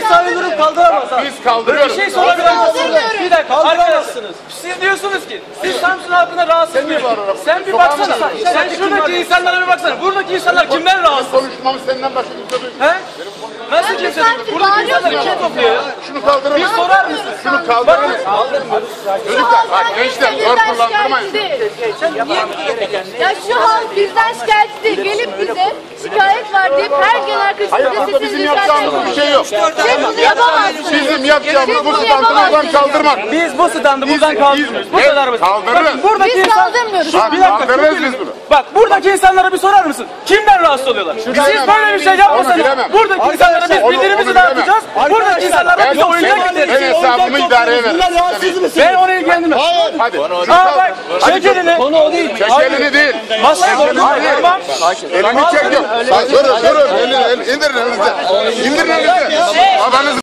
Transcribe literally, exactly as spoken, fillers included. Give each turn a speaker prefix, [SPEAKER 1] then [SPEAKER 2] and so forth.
[SPEAKER 1] İhsani durum kaldıramaz abi.
[SPEAKER 2] Biz kaldırıyoruz.
[SPEAKER 1] Bir şey sorabilirsiniz. Bir dakika kaldıramazsınız. Siz diyorsunuz ki siz Samsun halkına rahatsız mısınız? Sen bir baksana. Sen şuradaki insanlara bir baksana. Buradaki insanlar kimden rahatsız?
[SPEAKER 2] Konuşmamı senden başka kimse duymuyor.
[SPEAKER 1] He? Nasıl kimse? Buradaki insanları kim topluyor ya?
[SPEAKER 2] Şunu kaldırın.
[SPEAKER 1] Bir sorar mısın?
[SPEAKER 2] Şunu kaldırın. Çocuklar, bak gençler zor kullandırmayın.
[SPEAKER 3] Ya şu halk bizden şikayetçi değil. Gelip bize şikayet var deyip her gün arkasında
[SPEAKER 2] Burada bizim yapacağımız bir şey yok.
[SPEAKER 3] Siz bunu yapamazsınız.
[SPEAKER 2] Bizim yapacağımız
[SPEAKER 3] Siz
[SPEAKER 2] bu
[SPEAKER 3] bunu
[SPEAKER 2] standı buradan
[SPEAKER 3] yapamazsınız.
[SPEAKER 2] kaldırmak.
[SPEAKER 1] Biz bu standı buradan kaldırmıyoruz. Bu
[SPEAKER 2] Evet,
[SPEAKER 1] kadar basit.
[SPEAKER 2] kaldırırız.
[SPEAKER 1] Bakın buradaki
[SPEAKER 3] Biz
[SPEAKER 1] insan...
[SPEAKER 3] kaldırmıyoruz.
[SPEAKER 2] Bak,
[SPEAKER 1] Bir dakika,
[SPEAKER 2] kaldırırız
[SPEAKER 1] çok
[SPEAKER 2] biz
[SPEAKER 1] iyi.
[SPEAKER 2] bunu.
[SPEAKER 1] Bak buradaki insanlara bir sorar mısın? Kimden rahatsız oluyorlar? Siz
[SPEAKER 2] bilemem.
[SPEAKER 1] böyle bir şey
[SPEAKER 2] Onu
[SPEAKER 1] yapmasanız
[SPEAKER 2] bilemem.
[SPEAKER 1] buradaki insanlara biz
[SPEAKER 2] onu-
[SPEAKER 1] bildirimizi
[SPEAKER 2] onu
[SPEAKER 1] dağıtacağız. Buradaki insanlara
[SPEAKER 2] Ben,
[SPEAKER 1] bize oyuncak
[SPEAKER 2] ben, ben
[SPEAKER 1] getireceğiz.
[SPEAKER 2] hesabımı idareye veririm.
[SPEAKER 1] Ben onu ilgilendirmem.
[SPEAKER 2] Hadi.
[SPEAKER 1] Aa bak çek elini. Konu o değil.
[SPEAKER 2] Çek elini değil.
[SPEAKER 1] Nasıl? Hayır tamam.
[SPEAKER 2] Elini çek yok. Durun durun. Elini indirin elinize. İndirin elinize.